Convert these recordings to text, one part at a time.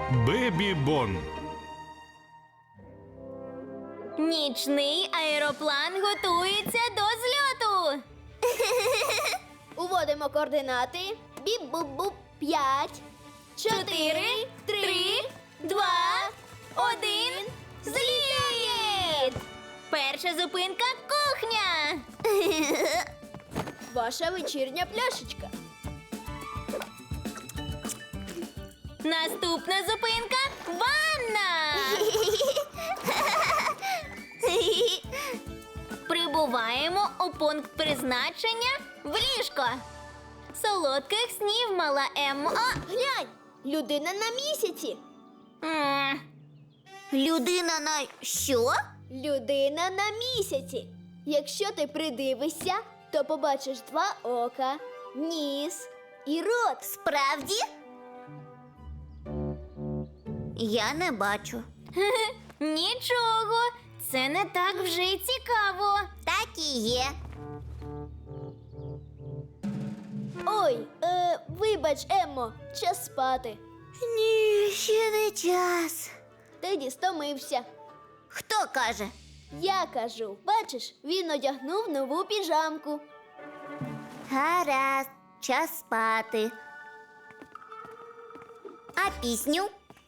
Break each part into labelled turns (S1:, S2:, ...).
S1: Бебі-бон.
S2: Нічний аероплан готується до зльоту.
S3: Уводимо координати. Біп-буп-буп. 5,
S2: 4, 3, 2, 1. Зліт! Перша зупинка – кухня.
S3: Ваша вечірня пляшечка.
S2: Наступна зупинка – ванна. Прибуваємо у пункт призначення в ліжко. Солодких снів, мала Еммо.
S3: Глянь, людина на місяці.
S2: Людина на що?
S3: Людина на місяці. Якщо ти придивишся, то побачиш 2 ока, ніс і рот.
S2: Справді? Я не бачу. Нічого, це не так вже й цікаво. Так і є.
S3: Ой, вибач, Еммо, час спати.
S2: Ні, ще не час.
S3: Теді стомився.
S2: Хто каже?
S3: Я кажу, бачиш, він одягнув нову піжамку.
S2: Гаразд, час спати. А пісню?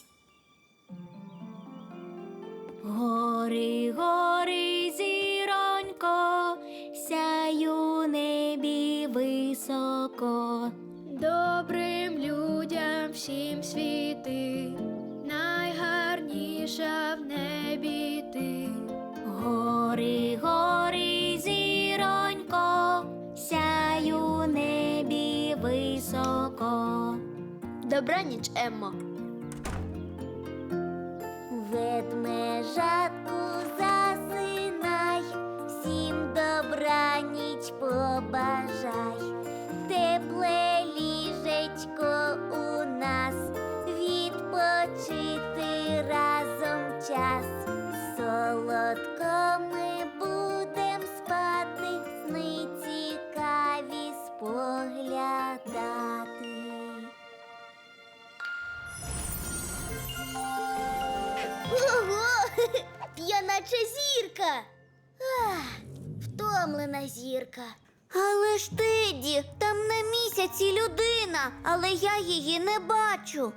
S2: Гори, гори, зіронько, сяй у небі високо.
S3: Добрим людям всім світи, найгарніша в небі ти.
S2: Гори, гори, зіронько, сяй у небі високо.
S3: Добраніч, Еммо.
S2: Ведмежатку засинай, всім добраніч побажай. Тепле ліжечко у нас, відпочити разом час. Солодко ми будем спати, сни цікаві споглядати.
S3: Ого! Я наче зірка.
S2: Втомлена зірка. Але ж Теді, там на місяці людина, але я її не бачу.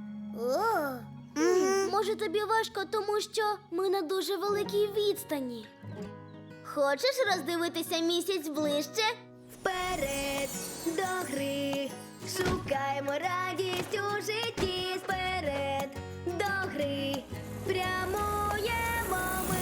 S3: Може, тобі важко, тому що ми на дуже великій відстані. Хочеш роздивитися місяць ближче? Вперед до гри, шукаємо радість у житті. Вперед до гри, прямуємо ми.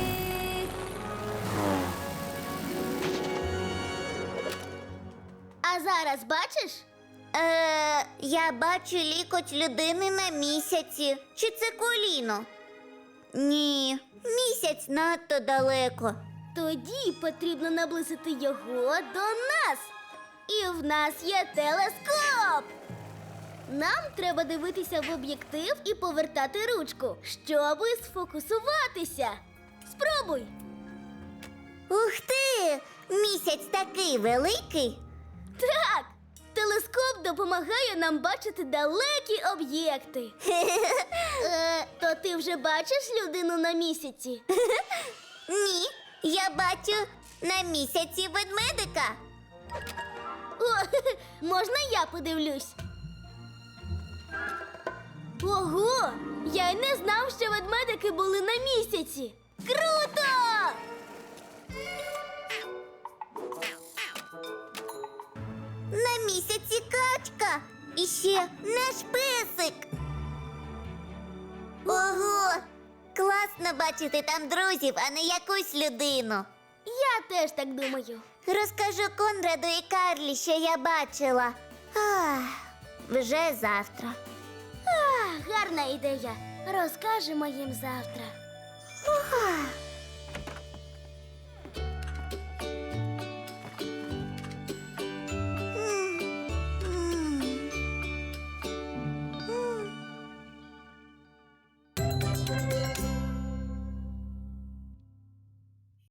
S3: А зараз бачиш?
S2: Я бачу лікоть людини на місяці. Чи це коліно? Ні, місяць надто далеко.
S3: Тоді потрібно наблизити його до нас. І в нас є телескоп. Нам треба дивитися в об'єктив і повертати ручку, щоби сфокусуватися. Спробуй.
S2: Ух ти! Місяць такий великий.
S3: Так, телескоп допомагає нам бачити далекі об'єкти. То ти вже бачиш людину на місяці?
S2: Ні, я бачу на місяці ведмедика.
S3: О, можна я подивлюсь? Ого! Я й не знав, що ведмедики були на місяці. Круто!
S2: На місяці качка. І ще наш песик. Ого! Класно бачити там друзів, а не якусь людину.
S3: Я теж так думаю.
S2: Розкажу Конраду і Карлі, що я бачила. Вже завтра.
S3: Гарна ідея. Розкажемо їм завтра.